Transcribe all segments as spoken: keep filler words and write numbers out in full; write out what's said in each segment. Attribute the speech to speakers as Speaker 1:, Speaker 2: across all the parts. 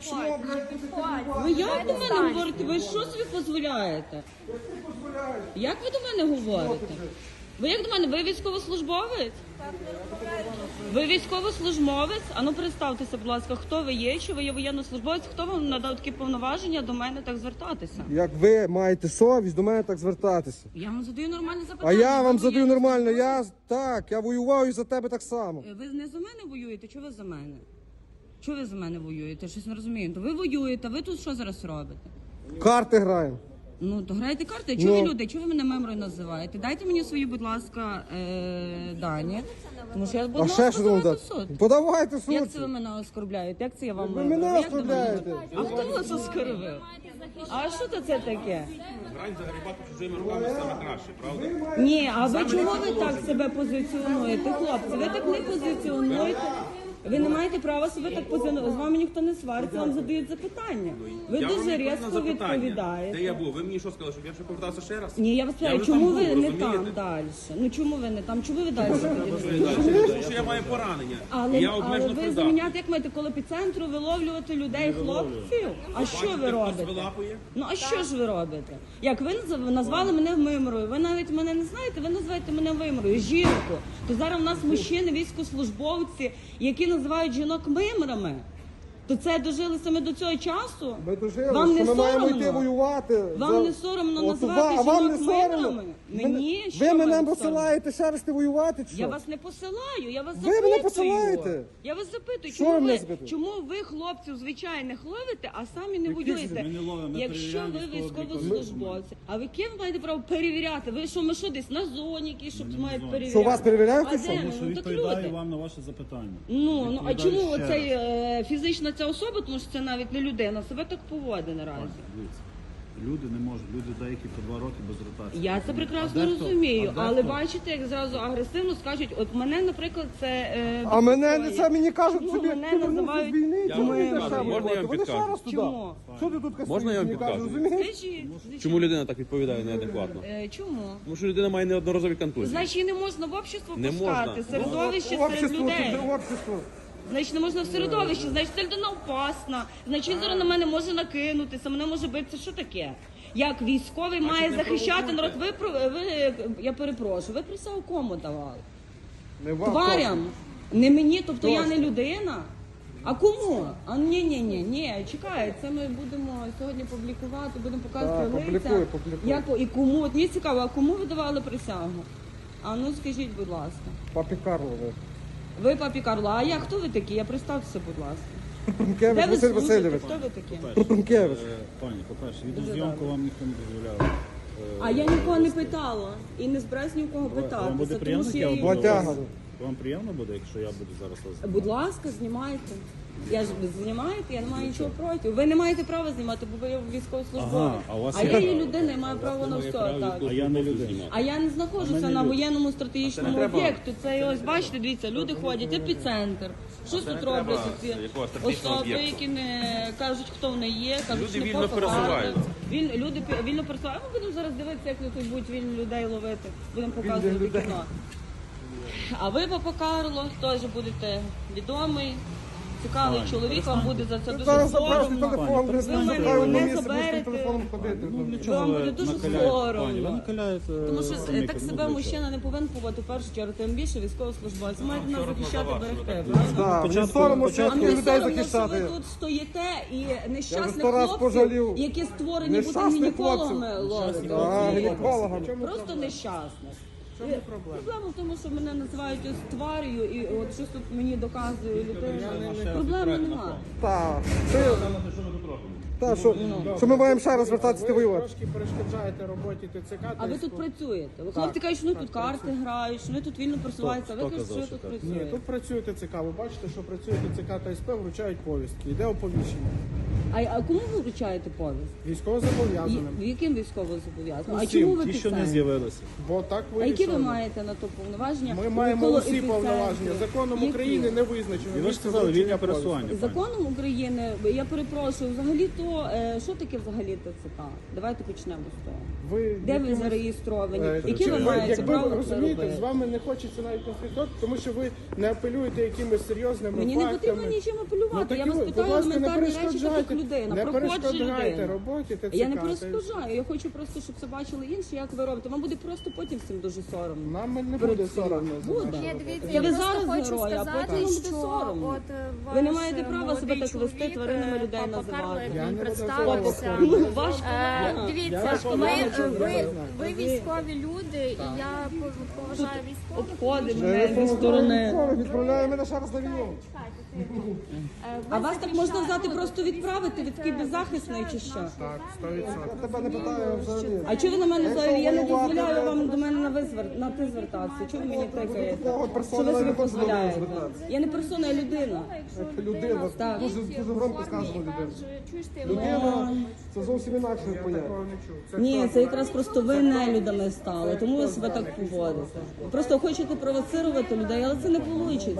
Speaker 1: Підходь, підходь.
Speaker 2: Ви як до мене говорите? Ви що собі дозволяєте? Як ви до мене говорите? Ви як до мене? Ви військовослужбовець? Ви військовослужбовець? А ну представтеся, будь ласка, хто ви є, чи ви є воєннослужбовець, хто вам надав такі повноваження до мене так звертатися?
Speaker 3: Як ви маєте совість до мене так звертатися?
Speaker 2: Я вам задаю нормальне
Speaker 3: А
Speaker 2: запитання.
Speaker 3: я вам
Speaker 2: Ви
Speaker 3: задаю нормально,
Speaker 2: воєннослужбовець?
Speaker 3: я так, я воював і за тебе так само.
Speaker 2: Ви не за мене воюєте, чи ви за мене? Чого ви за мене воюєте? Щось не розумію. То ви воюєте, ви тут що зараз робите?
Speaker 3: Карти граємо.
Speaker 2: Ну, то грайте карти. Чого
Speaker 3: Ну.
Speaker 2: ви люди? Чого ви мене мемрою називаєте? Дайте мені свої, будь ласка, е- дані. Тому що я буду
Speaker 3: А ще що вам
Speaker 2: подавати
Speaker 3: дати?
Speaker 2: в суд.
Speaker 3: Подавайте в
Speaker 2: Як
Speaker 3: суд.
Speaker 2: це ви мене оскорбляєте? Як це я вам
Speaker 3: Ви
Speaker 2: мемрою?
Speaker 3: мене
Speaker 2: Як до мене?
Speaker 3: оскорбляєте.
Speaker 2: А хто вас оскорбив? А що то це таке?
Speaker 4: Грань загрібати чужими руками саме краще, правда?
Speaker 2: Ні, а ви чого ви так себе позиціонуєте, хлопці? Ви так не позиціонуєте. Ви не маєте права себе так позиціонувати. З вами ніхто не свариться, вам задають запитання. Ви
Speaker 4: Я вам
Speaker 2: дуже
Speaker 4: відповів на
Speaker 2: різко
Speaker 4: запитання.
Speaker 2: відповідаєте.
Speaker 4: Де я був? Ви мені що сказали, щоб я ще повертався ще раз?
Speaker 2: Ні, я вас
Speaker 4: Я
Speaker 2: питаю,
Speaker 4: вже
Speaker 2: чому
Speaker 4: там
Speaker 2: ви
Speaker 4: був,
Speaker 2: не
Speaker 4: розумієте?
Speaker 2: там далі? Ну чому ви не там? Чому ви далі ходите?
Speaker 4: Тому що я маю поранення.
Speaker 2: Але,
Speaker 4: і я
Speaker 2: але
Speaker 4: обмежено
Speaker 2: ви
Speaker 4: придатний.
Speaker 2: заміняти, як маєте коло епіцентру виловлювати людей, хлопців? А що ви
Speaker 4: Бачите, хтось
Speaker 2: робите?
Speaker 4: вилапує?
Speaker 2: Ну а що ж ви робите? Як ви назв- назвали мене Мимрою, ви навіть мене не знаєте, ви називаєте мене Мимрою, жінку. То зараз у нас мужчини, військовослужбовці, які називають жінок мимрами. То це дожилися ми до цього часу?
Speaker 3: Ми дожили,
Speaker 2: Вам
Speaker 3: що
Speaker 2: не
Speaker 3: ми маємо
Speaker 2: соромно?
Speaker 3: йти воювати.
Speaker 2: Вам
Speaker 3: за-
Speaker 2: не соромно
Speaker 3: От
Speaker 2: називати
Speaker 3: ва- а вам
Speaker 2: жінок
Speaker 3: не соромно?
Speaker 2: мимрами?
Speaker 3: Ви-
Speaker 2: Мені? Що
Speaker 3: Ви
Speaker 2: вам
Speaker 3: мене
Speaker 2: соромно?
Speaker 3: посилаєте ще раз ти воювати, чи що?
Speaker 2: Я вас не посилаю, я вас
Speaker 3: Ви
Speaker 2: запитую.
Speaker 3: мене посилаєте?
Speaker 2: Я вас запитую,
Speaker 3: Що
Speaker 2: чому
Speaker 3: ви мене
Speaker 2: ви,
Speaker 3: запитуєте?
Speaker 2: чому ви хлопців звичайних ловите, а самі не воюєте?
Speaker 5: Ми не ловимо, ми
Speaker 2: Якщо ви
Speaker 5: перевіряємо
Speaker 2: військовослужбовці, а ви ким маєте право перевіряти? Ви що, ми що десь на зоні, які щоб
Speaker 5: не
Speaker 2: мають
Speaker 5: на зоні.
Speaker 2: перевіряти?
Speaker 3: Що, вас перевіряють,
Speaker 2: А
Speaker 3: чи
Speaker 2: де
Speaker 3: що?
Speaker 2: ми?
Speaker 5: Тому що
Speaker 2: Ну так
Speaker 5: відповідаю
Speaker 2: люди.
Speaker 5: вам на ваше запитання.
Speaker 2: Ну, ну а
Speaker 5: Відповідаю
Speaker 2: чому
Speaker 5: ще
Speaker 2: оцей
Speaker 5: раз.
Speaker 2: е, фізична ця особа, тому що це навіть не людина, себе так поводить наразі.
Speaker 5: Дивіться, люди не можуть, люди деякі по два роки без ротації.
Speaker 2: Я це прекрасно
Speaker 5: А дехто-
Speaker 2: розумію,
Speaker 5: а
Speaker 2: але
Speaker 5: дехто-
Speaker 2: бачите, як зразу агресивно скажуть, от мене, наприклад, це е,
Speaker 3: А мене не
Speaker 2: беспокоїть.
Speaker 3: це мені кажуть,
Speaker 2: Чому
Speaker 3: собі
Speaker 2: мене
Speaker 3: ти вернувся
Speaker 2: називають
Speaker 3: з війни,
Speaker 4: Я
Speaker 3: чому
Speaker 4: вам
Speaker 3: ти
Speaker 4: підкажу.
Speaker 3: ще
Speaker 4: Можна я
Speaker 3: воювати?
Speaker 4: вам
Speaker 3: Вони ще
Speaker 4: підкажу?
Speaker 3: раз туди.
Speaker 2: Чому?
Speaker 3: Що ти тут кастуєш?
Speaker 4: Можна я вам
Speaker 3: Мені кажуть,
Speaker 4: підкажу?
Speaker 3: розумієш?
Speaker 2: Скажіть, звичайно.
Speaker 4: Чому людина так відповідає неадекватно?
Speaker 2: Е, Чому?
Speaker 4: Тому що людина має неодноразові контузії.
Speaker 2: Значить, її не можна в общество
Speaker 4: Не
Speaker 2: пускати,
Speaker 4: можна.
Speaker 2: середовище серед
Speaker 3: Общество,
Speaker 2: людей.
Speaker 3: це общество.
Speaker 2: Значить, не можна в середовище, значить, ця людина опасна, значить, він зараз на мене може накинутися, мене може битися. Що таке? Як військовий має
Speaker 4: не
Speaker 2: захищати народ?
Speaker 4: провокуйте.
Speaker 2: Ви, про- ви, я перепрошую, ви присягу кому давали?
Speaker 3: Не вам,
Speaker 2: Тварям? Не мені, тобто я
Speaker 3: Точно.
Speaker 2: не людина? А кому? А ні, ні, ні, ні, чекай, це ми будемо сьогодні публікувати, будемо показувати
Speaker 3: Так,
Speaker 2: лиця.
Speaker 3: публікуй, публікуй.
Speaker 2: Як, і кому? От мені цікаво, а кому ви давали присягу? А ну скажіть, будь ласка.
Speaker 3: Папі Карло. ви.
Speaker 2: Ви папі Карло, а я хто ви такі? Я представтеся, будь ласка. Де
Speaker 3: Прункевич
Speaker 2: ви
Speaker 3: Василь
Speaker 2: служите?
Speaker 3: Васильович.
Speaker 2: Хто ви такі?
Speaker 3: Прункевич.
Speaker 5: Е, Пані, по-перше, відеозйомку вам ніхто не дозволяв. Е,
Speaker 2: А я нікого не питала і не збираюсь ні у кого
Speaker 5: Вам буде
Speaker 2: питатися, тому
Speaker 5: приємно,
Speaker 2: що
Speaker 5: як
Speaker 2: я
Speaker 5: я
Speaker 2: її
Speaker 5: буду
Speaker 3: Батяга.
Speaker 5: вас- Вам приємно буде, якщо я буду зараз вас...
Speaker 2: Будь ласка, знімайте. Я ж знімаєте, я не маю нічого проти. Ви не маєте права знімати, бо ви є військовослужбовець.
Speaker 5: Ага, а у вас
Speaker 2: а
Speaker 5: є-
Speaker 2: я є людина і маю право на все. Так.
Speaker 5: А я не людина.
Speaker 2: А я не знаходжуся на воєнному стратегічному
Speaker 4: А це не треба.
Speaker 2: об'єкту. Це ось бачите, дивіться, люди ходять, епіцентр. Що
Speaker 4: це
Speaker 2: тут
Speaker 4: не
Speaker 2: роблять
Speaker 4: треба
Speaker 2: ці
Speaker 4: якогось стратегічного
Speaker 2: особи,
Speaker 4: об'єкту.
Speaker 2: які не кажуть, хто вони є, кажуть,
Speaker 4: Люди
Speaker 2: що не
Speaker 4: вільно
Speaker 2: пропаганда.
Speaker 4: пересуваються.
Speaker 2: Віль, люди пі- вільно пересуваються. Ми будемо зараз дивитися, як тут будуть вільні людей ловити. Будемо показувати кіно. А ви, папа Карло, теж будете відомий, цікавий чоловік, вам буде за це дуже
Speaker 3: Зараз забрати
Speaker 2: соромно.
Speaker 3: телефон,
Speaker 5: Ви
Speaker 3: десь
Speaker 2: мене
Speaker 3: шукаю
Speaker 2: не
Speaker 3: одне місце, будеш
Speaker 2: заберете.
Speaker 3: з телефоном ходити.
Speaker 5: Ну, для
Speaker 2: Вам
Speaker 5: чого
Speaker 2: буде
Speaker 5: ви
Speaker 2: дуже
Speaker 5: накаляєте,
Speaker 2: соромно.
Speaker 5: пані? Ви накаляєте...
Speaker 2: Тому що
Speaker 5: самі,
Speaker 2: е, так
Speaker 5: ну,
Speaker 2: себе
Speaker 5: для
Speaker 2: мужчина
Speaker 5: чого?
Speaker 2: не повинен поводити в першу чергу, тим більше військовослужбовець. Маєте нас захищати, берегти.
Speaker 3: Так, мені
Speaker 5: Початку-
Speaker 3: соромно
Speaker 2: А
Speaker 3: всіх
Speaker 5: початку-
Speaker 2: мені
Speaker 3: людей
Speaker 2: соромно, що
Speaker 3: захищати.
Speaker 2: ви тут стоїте і нещасних
Speaker 3: сто раз
Speaker 2: хлопців,
Speaker 3: пожалів.
Speaker 2: які створені бути
Speaker 3: Нещасних
Speaker 2: гінекологами,
Speaker 3: хлопців.
Speaker 2: ловите.
Speaker 3: А, гінекологам.
Speaker 2: Просто нещасних. Проблема в тому, що мене називають ось тварію, і от щось тут мені доказує людина. Проблеми немає.
Speaker 3: Так, це... Так, що, що ми маємо ще раз вертатися ти воювати.
Speaker 6: Трошки перешкоджаєте роботі ТЦК.
Speaker 2: А ви тут працюєте? Ви хлопці кажуть, що вони тут карти грають, що вони тут вільно просуваються. А ви
Speaker 5: хто
Speaker 2: кажете, що ви
Speaker 5: казав,
Speaker 2: тут
Speaker 5: що так?
Speaker 6: Ні,
Speaker 2: працюєте.
Speaker 6: тут працює ТЦК. Ви бачите, що працює ТЦК та СП, вручають повістки. Йде оповіщення.
Speaker 2: А, а кому ви вручаєте повість?
Speaker 6: Військово
Speaker 2: І-
Speaker 6: зобов'язаним.
Speaker 2: Яким військово зобов'язаним? А
Speaker 6: Усім.
Speaker 2: чому ви
Speaker 5: Ті, що не
Speaker 2: писаєте?
Speaker 5: з'явилися.
Speaker 6: Бо так
Speaker 2: А які ви
Speaker 6: вирішено.
Speaker 2: маєте на то повноваження?
Speaker 6: Ми маємо
Speaker 2: Коло
Speaker 6: усі
Speaker 2: епіцентру?
Speaker 6: повноваження. Законом
Speaker 2: Які?
Speaker 6: України не визначено.
Speaker 5: І ви ж
Speaker 6: місце
Speaker 5: сказали,
Speaker 6: вручення
Speaker 5: вільне
Speaker 6: повістки.
Speaker 5: пересування. пані.
Speaker 2: Законом України, я перепрошую, взагалі то що, е, що таке взагалі ТЦК? Давайте почнемо з того.
Speaker 6: Ви
Speaker 2: Де ви
Speaker 6: якимось-
Speaker 2: зареєстровані?
Speaker 6: Е,
Speaker 2: Які
Speaker 6: чи
Speaker 2: ви маєте
Speaker 6: якби
Speaker 2: право
Speaker 6: ви
Speaker 2: це
Speaker 6: розумієте,
Speaker 2: робити?
Speaker 6: з вами не хочеться навіть конфліктувати, тому що ви не апелюєте якимись серйозними
Speaker 2: Мені не
Speaker 6: фактами.
Speaker 2: потрібно нічим апелювати.
Speaker 6: так
Speaker 2: Я
Speaker 6: і
Speaker 2: вас
Speaker 6: ви,
Speaker 2: питаю
Speaker 6: будь ласка, не
Speaker 2: елементарні речі, як
Speaker 6: перешкоджайте,
Speaker 2: людина.
Speaker 6: не
Speaker 2: Проходжу
Speaker 6: перешкоджайте
Speaker 2: людина.
Speaker 6: роботі ТЦК.
Speaker 2: Я не
Speaker 6: та й-
Speaker 2: перешкоджаю, я хочу просто, щоб це бачили інші, як ви робите. Вам буде просто потім всім дуже соромно.
Speaker 6: Нам не
Speaker 2: Перед
Speaker 6: буде
Speaker 2: всіма.
Speaker 6: соромно. за
Speaker 2: Буде.
Speaker 6: нашу
Speaker 1: Ні,
Speaker 6: роботу.
Speaker 1: дивіться,
Speaker 2: Та
Speaker 1: я
Speaker 2: ви
Speaker 1: просто
Speaker 2: зараз
Speaker 1: хочу
Speaker 2: герої, а
Speaker 1: сказати,
Speaker 2: потім вам буде
Speaker 1: що
Speaker 2: соромно.
Speaker 1: от е,
Speaker 2: Ви не
Speaker 1: ваш
Speaker 2: маєте права
Speaker 1: молодий
Speaker 2: себе так вести,
Speaker 1: чоловік,
Speaker 2: тваринами
Speaker 1: е,
Speaker 2: людей
Speaker 1: папа
Speaker 2: називати.
Speaker 1: Карло, як
Speaker 6: Я
Speaker 1: він
Speaker 6: не
Speaker 1: представився.
Speaker 2: Ну, ваш
Speaker 1: Е,
Speaker 2: колега.
Speaker 1: Дивіться,
Speaker 6: Я
Speaker 1: ми,
Speaker 6: знаю,
Speaker 1: ви,
Speaker 6: я знаю.
Speaker 1: ви військові люди, і я поважаю військових.
Speaker 2: Обходить
Speaker 6: Ми
Speaker 2: мене зі сторони.
Speaker 6: відправляємо мене ще раз на війну.
Speaker 1: Е,
Speaker 2: А
Speaker 1: ви
Speaker 2: вас так можна взяти,
Speaker 1: захищаєте-
Speaker 2: просто відправити, ви такий беззахисний чи що?
Speaker 6: Так, сто відсотків.
Speaker 3: Я тебе не питаю взагалі.
Speaker 2: А чого ви на мене взагалі? Я не
Speaker 3: воювати,
Speaker 2: дозволяю
Speaker 3: блядь.
Speaker 2: вам до мене на ви звер- на ти звертатися. Чого ви мені тикаєте?
Speaker 3: такого
Speaker 2: Що
Speaker 3: персона
Speaker 2: ви собі
Speaker 3: не можна
Speaker 2: дозволяєте?
Speaker 3: звертатися.
Speaker 2: Я не персона, я людина.
Speaker 3: Людина,
Speaker 2: Так.
Speaker 3: дуже, дуже громко сказано людина.
Speaker 1: Чуєш ти,
Speaker 3: Людина це зовсім інакше поняття.
Speaker 6: Такого не чув. Це
Speaker 2: Ні, це якраз просто ви нелюдами стали, тому ви себе так поводите. Ви просто хочете провоцирувати людей, але це не вийде.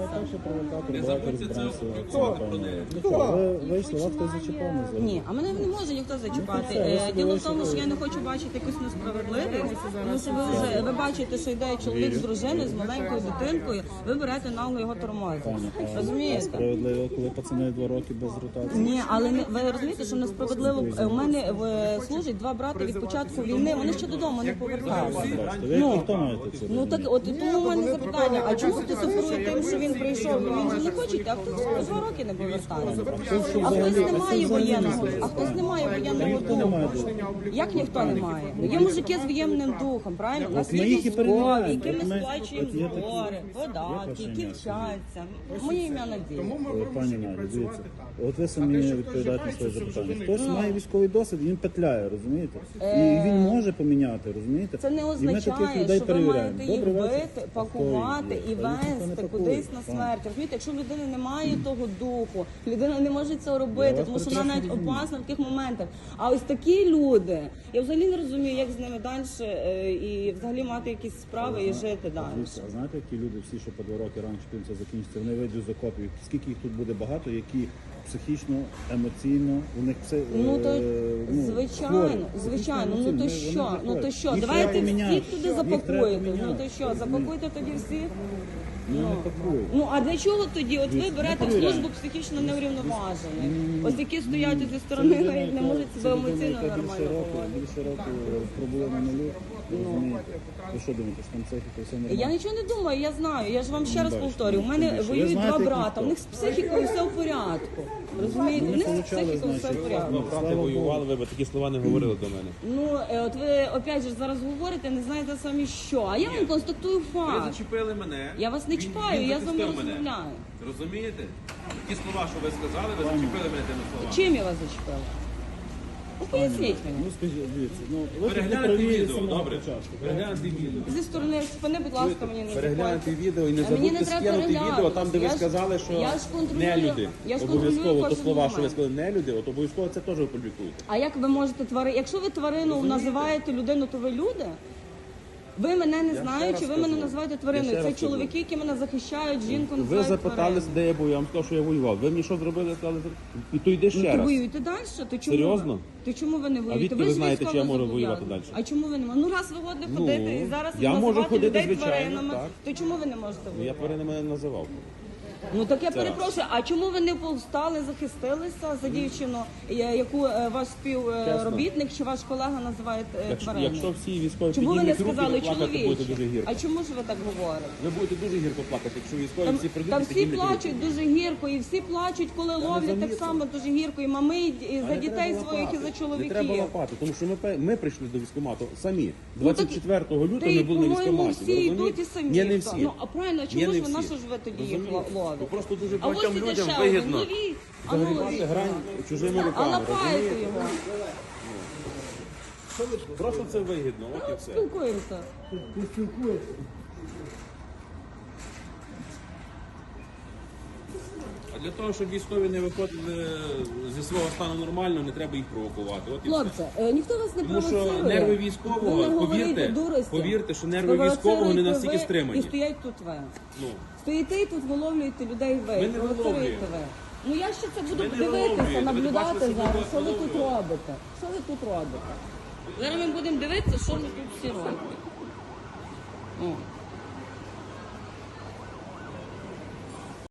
Speaker 4: Не забудьте це опублікувати про неї.
Speaker 5: Ви вийшли, вас хтось зачепив на зоні.
Speaker 2: Ні, а мене не може ніхто зачіпати. Е, Діло в тому, що я не хочу бачити якусь несправедливість, тому що ви вже ви бачите, що йде чоловік з дружиною, з маленькою дитинкою, ви берете нагло його тормозити. Розумієте?
Speaker 5: Справедливо, коли пацани два роки без ротації.
Speaker 2: Ні, але не ви розумієте, що несправедливо. Е, У мене е, служать два брати від початку війни. Вони ще додому не поверталися.
Speaker 5: Бачите, ви
Speaker 2: Ну,
Speaker 5: як хто маєте це?
Speaker 2: Ну так, от і тому в мене запитання. А чому хтось оперує тим, що він прийшов? Він же не хоче, а хтось по два роки не повертається. А хтось не має воєнного, а хтось не має воєнного духу. Як ніхто не має? Ну є мужики з воєнним духом, правильно? У нас
Speaker 5: ми
Speaker 2: є
Speaker 5: їх і
Speaker 2: військові,
Speaker 5: перевіряємо.
Speaker 2: які ми
Speaker 5: От ми-
Speaker 2: сплачуємо
Speaker 5: от є такі-
Speaker 2: збори, податки,
Speaker 5: ваше
Speaker 2: які
Speaker 5: ім'я?
Speaker 2: вчаться. Моє ім'я Надія.
Speaker 6: Тому ми
Speaker 5: Е, Пані
Speaker 6: вимушені
Speaker 5: Надя,
Speaker 6: працювати
Speaker 5: дивіться,
Speaker 6: так.
Speaker 5: от ви самі
Speaker 6: А те, що
Speaker 5: відповідаєте на своє
Speaker 6: хтось
Speaker 5: запитання.
Speaker 6: живе,
Speaker 5: Хтось
Speaker 6: це
Speaker 5: має військовий досвід, він петляє, розумієте? І він може поміняти, розумієте?
Speaker 2: Це не
Speaker 5: І ми таких
Speaker 2: означає,
Speaker 5: людей
Speaker 2: що ви
Speaker 5: перевіряємо.
Speaker 2: маєте їх
Speaker 5: Добрий вечір.
Speaker 2: бити,
Speaker 5: А
Speaker 2: пакувати
Speaker 5: хто їх
Speaker 2: і
Speaker 5: б'є? Та їх ніхто не
Speaker 2: вести
Speaker 5: пакує,
Speaker 2: кудись на
Speaker 5: пан.
Speaker 2: смерть. Розумієте, якщо людина не має того духу, людина не може це
Speaker 5: Я
Speaker 2: робити,
Speaker 5: вас
Speaker 2: тому що вона
Speaker 5: прекрасно
Speaker 2: навіть
Speaker 5: розумію.
Speaker 2: опасна в таких моментах. А ось такі люди, я взагалі не розумію, як з ними далі е, і взагалі мати якісь справи і жити далі.
Speaker 5: Дивіться, а знаєте, які люди всі, що по два роки раніше чим це закінчиться, вони вийдуть з окопів. Скільки їх тут буде багато, які психічно, емоційно, у них все
Speaker 2: Ну то
Speaker 5: е, ну,
Speaker 2: звичайно,
Speaker 5: хворі.
Speaker 2: звичайно. Ну
Speaker 5: Психічно,
Speaker 2: то
Speaker 5: емоційно,
Speaker 2: що?
Speaker 5: вони
Speaker 2: Ну то
Speaker 5: хворі.
Speaker 2: що?
Speaker 5: Їх
Speaker 2: Давайте
Speaker 5: треба поміняти.
Speaker 2: всіх туди
Speaker 5: Їх треба
Speaker 2: запакуєте. Ну
Speaker 5: поміняти.
Speaker 2: то що, запакуйте тоді всіх?
Speaker 5: Ну, не пакують.
Speaker 2: Ну а для чого тоді? От ви
Speaker 5: Дивіться,
Speaker 2: берете
Speaker 5: ми
Speaker 2: в
Speaker 5: перевіряємо.
Speaker 2: службу психічно неврівноважених. Ось які стоять зі сторони, навіть не можуть себе емоційно нормально поводити.
Speaker 5: Більше року пробули на нулі, розумієте? Ви що думаєте, що там психіка все нормально?
Speaker 2: Я нічого не думаю, я знаю. Я ж вам ще раз
Speaker 5: Бачите,
Speaker 2: повторюю. У
Speaker 5: тим
Speaker 2: мене
Speaker 5: більше. Ви
Speaker 2: воюють
Speaker 5: знаєте,
Speaker 2: два
Speaker 5: які
Speaker 2: брата.
Speaker 5: хто?
Speaker 2: У них з психікою все в порядку. Розумієте? У них з
Speaker 5: получали,
Speaker 2: психікою все в
Speaker 5: значить,
Speaker 2: порядку.
Speaker 4: Ну, брати воювали, ви б такі слова не говорили до мене.
Speaker 2: Ну е, от ви опять же зараз говорите, не знаєте самі що. А я вам констатую
Speaker 4: Ви
Speaker 2: факт.
Speaker 4: зачепили мене.
Speaker 2: Я вас не
Speaker 4: Він-
Speaker 2: чіпаю,
Speaker 4: він
Speaker 2: я з вами
Speaker 4: захистив мене.
Speaker 2: розмовляю.
Speaker 4: Розумієте? Ті слова, що ви сказали, ви зачепили мене тими словами.
Speaker 2: Чим я вас зачепила? Ну поясніть мені.
Speaker 5: Ну скажіть, дивіться, ну ви тут не
Speaker 4: Перегляньте
Speaker 5: праві з
Speaker 4: відео,
Speaker 5: самого
Speaker 4: добре?
Speaker 5: початку.
Speaker 4: Перегляньте відео.
Speaker 2: Зі сторони спини, будь ласка, мені не
Speaker 4: Перегляньте
Speaker 2: заходьте.
Speaker 4: відео і не
Speaker 2: А мені не
Speaker 4: забудьте
Speaker 2: треба
Speaker 4: скинути
Speaker 2: переглядати.
Speaker 4: відео там, де ви
Speaker 2: Я ж-
Speaker 4: сказали, що
Speaker 2: я ж контролюю-
Speaker 4: не люди.
Speaker 2: я ж контролюю
Speaker 4: Обов'язково то
Speaker 2: кожен
Speaker 4: слова, що ви
Speaker 2: момент.
Speaker 4: сказали не люди, от обов'язково це теж опублікуєте.
Speaker 2: А як ви можете тварину? Якщо ви тварину називаєте людину, то ви люди? Ви мене не знаючи, ви мене називаєте твариною.
Speaker 4: ще
Speaker 2: Це
Speaker 4: раз
Speaker 2: чоловіки, які мене захищають, жінку
Speaker 4: Ви
Speaker 2: називають
Speaker 4: запитались,
Speaker 2: твариною.
Speaker 4: де я був, я вам сказав, що я воював. Ви мені що зробили, сказали, і то йди
Speaker 2: Ну,
Speaker 4: ще
Speaker 2: то
Speaker 4: раз.
Speaker 2: воюєте далі? То чому
Speaker 4: Серйозно?
Speaker 2: Ви? То чому ви не воюєте?
Speaker 4: відки ви
Speaker 2: ж
Speaker 4: знаєте, чи я можу
Speaker 2: військовозобов'язані.
Speaker 4: воювати далі?
Speaker 2: А чому ви не можете? Ну раз ви годні
Speaker 4: Ну,
Speaker 2: ходити і зараз
Speaker 4: я можу
Speaker 2: називати
Speaker 4: ходити,
Speaker 2: людей
Speaker 4: звичайно,
Speaker 2: тваринами,
Speaker 4: так.
Speaker 2: то чому ви не можете
Speaker 4: Я
Speaker 2: воювати?
Speaker 4: тваринами не називав.
Speaker 2: Ну так я
Speaker 4: Це раз.
Speaker 2: перепрошую, а чому ви не повстали, захистилися за дівчину, я- яку е, ваш співробітник чи ваш колега називає е,
Speaker 4: Якщо,
Speaker 2: твариною?
Speaker 4: якщо всі військові
Speaker 2: Чому ви не
Speaker 4: піднімуть руки,
Speaker 2: сказали
Speaker 4: то плакати будете дуже
Speaker 2: чоловіче?
Speaker 4: гірко.
Speaker 2: А чому ж ви так говорите?
Speaker 4: Ви будете дуже гірко плакати, якщо військові
Speaker 2: Там,
Speaker 4: всі прийдуть
Speaker 2: там
Speaker 4: і
Speaker 2: всі
Speaker 4: піднімуть руки.
Speaker 2: плачуть дуже гірко, і всі плачуть, коли ловлять так
Speaker 4: замітив.
Speaker 2: само дуже гірко. І мами, і, і за
Speaker 4: А не
Speaker 2: дітей
Speaker 4: треба
Speaker 2: своїх, і
Speaker 4: лапати.
Speaker 2: за чоловіків.
Speaker 4: Не треба лапати, тому що ми, пе- ми прийшли до військкомату самі.
Speaker 2: Ну, так-
Speaker 4: двадцять четвертого
Speaker 2: Та
Speaker 4: лютого
Speaker 2: й,
Speaker 4: ми були на
Speaker 2: по-моєму,
Speaker 4: військкоматі.
Speaker 2: всі
Speaker 4: ви
Speaker 2: йдуть
Speaker 4: розумієте?
Speaker 2: і самі.
Speaker 4: Ні, не
Speaker 2: хто.
Speaker 4: всі.
Speaker 2: Ну, а правильно,
Speaker 4: Ні,
Speaker 2: чому
Speaker 4: не
Speaker 2: ж ви, на
Speaker 4: всі.
Speaker 2: що ж ви тоді їх
Speaker 4: Розумієте?
Speaker 2: ловите?
Speaker 4: Бо просто дуже
Speaker 2: А ось
Speaker 4: багатьом
Speaker 2: іде
Speaker 4: людям
Speaker 2: ще один,
Speaker 4: вигідно
Speaker 2: ловіть, а ну
Speaker 4: загрібати
Speaker 2: ловіть.
Speaker 4: грань чужими
Speaker 2: А
Speaker 4: руками.
Speaker 2: лапайте
Speaker 4: розумієте?
Speaker 2: його.
Speaker 4: Просто це вигідно, от і все.
Speaker 2: Спілкуємося.
Speaker 4: А для того, щоб військові не виходили зі свого стану нормально, не треба їх провокувати. От і все.
Speaker 2: Хлопці, е, ніхто вас не
Speaker 4: Тому
Speaker 2: провоцирує.
Speaker 4: що нерви
Speaker 2: Ви
Speaker 4: військового,
Speaker 2: не говорите
Speaker 4: повірте,
Speaker 2: дурості.
Speaker 4: повірте, що нерви
Speaker 2: Провоцируєте
Speaker 4: військового не
Speaker 2: ви
Speaker 4: настільки
Speaker 2: І
Speaker 4: стримані.
Speaker 2: стоять тут ви.
Speaker 4: Ну,
Speaker 2: Стоїте і тут виловлюєте людей ви.
Speaker 4: Ми не
Speaker 2: Провоцируєте
Speaker 4: виловлюємо.
Speaker 2: ви. Ну я ще це буду
Speaker 4: Ви не
Speaker 2: дивитися,
Speaker 4: виловлюєте, ви
Speaker 2: наблюдати
Speaker 4: бачите, що
Speaker 2: зараз,
Speaker 4: ви
Speaker 2: що ви тут
Speaker 4: виловлюєте.
Speaker 2: робите. Що ви тут робите? Зараз ми будемо дивитися, що ви тут всі робите. О.